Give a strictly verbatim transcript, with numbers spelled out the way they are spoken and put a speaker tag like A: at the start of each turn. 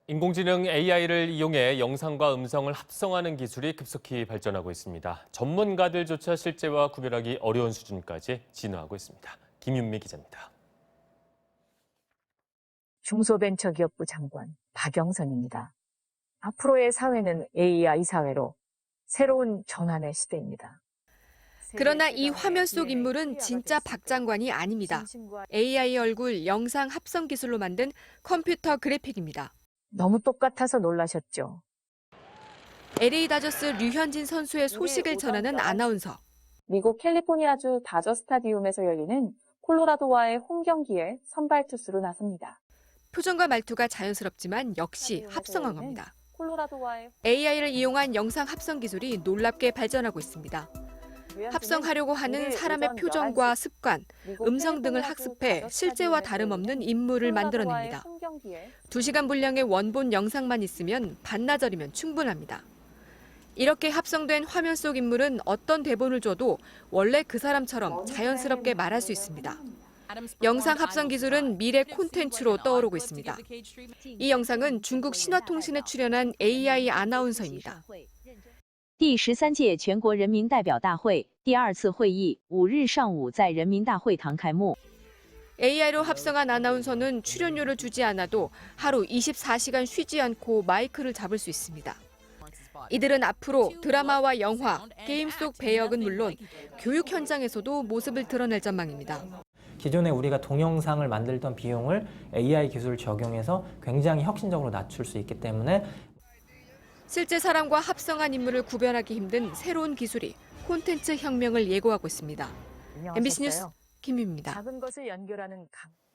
A: 인공지능 에이아이를 이용해 영상과 음성을 합성하는 기술이 급속히 발전하고 있습니다. 전문가들조차 실제와 구별하기 어려운 수준까지 진화하고 있습니다. 김윤미 기자입니다.
B: 중소벤처기업부 장관 박영선입니다. 앞으로의 사회는 에이아이 사회로 새로운 전환의 시대입니다.
C: 그러나 이 화면 속 인물은 진짜 박 장관이 아닙니다. 에이아이 얼굴 영상 합성 기술로 만든 컴퓨터 그래픽입니다.
B: 너무 똑같아서 놀라셨죠?
C: 엘에이 다저스 류현진 선수의 소식을 전하는 아나운서.
D: 미국 캘리포니아주 다저 스타디움에서 열리는 콜로라도와의 홈 경기에 선발 투수로 나섭니다.
C: 표정과 말투가 자연스럽지만 역시 합성한 겁니다.
D: 콜로라도와의
C: 에이아이를 이용한 영상 합성 기술이 놀랍게 발전하고 있습니다. 합성하려고 하는 사람의 표정과 습관, 음성 등을 학습해 실제와 다름없는 인물을 만들어냅니다. 두 시간 분량의 원본 영상만 있으면 반나절이면 충분합니다. 이렇게 합성된 화면 속 인물은 어떤 대본을 줘도 원래 그 사람처럼 자연스럽게 말할 수 있습니다. 영상 합성 기술은 미래 콘텐츠로 떠오르고 있습니다. 이 영상은 중국 신화통신에 출연한 에이아이 아나운서입니다.
E: 第十三届全国人民代表大会第二次会议五日上午在人民大会堂开幕。
C: 에이아이로 합성한 아나운서는 출연료를 주지 않아도 하루 이십사 시간 쉬지 않고 마이크를 잡을 수 있습니다. 이들은 앞으로 드라마와 영화, 게임 속 배역은 물론 교육 현장에서도 모습을 드러낼 전망입니다.
F: 기존에 우리가 동영상을 만들던 비용을 에이아이 기술을 적용해서 굉장히 혁신적으로 낮출 수 있기 때문에
C: 실제 사람과 합성한 인물을 구별하기 힘든 새로운 기술이 콘텐츠 혁명을 예고하고 있습니다. 엠비씨 뉴스 김유미입니다.
B: 작은 것을 연결하는 강.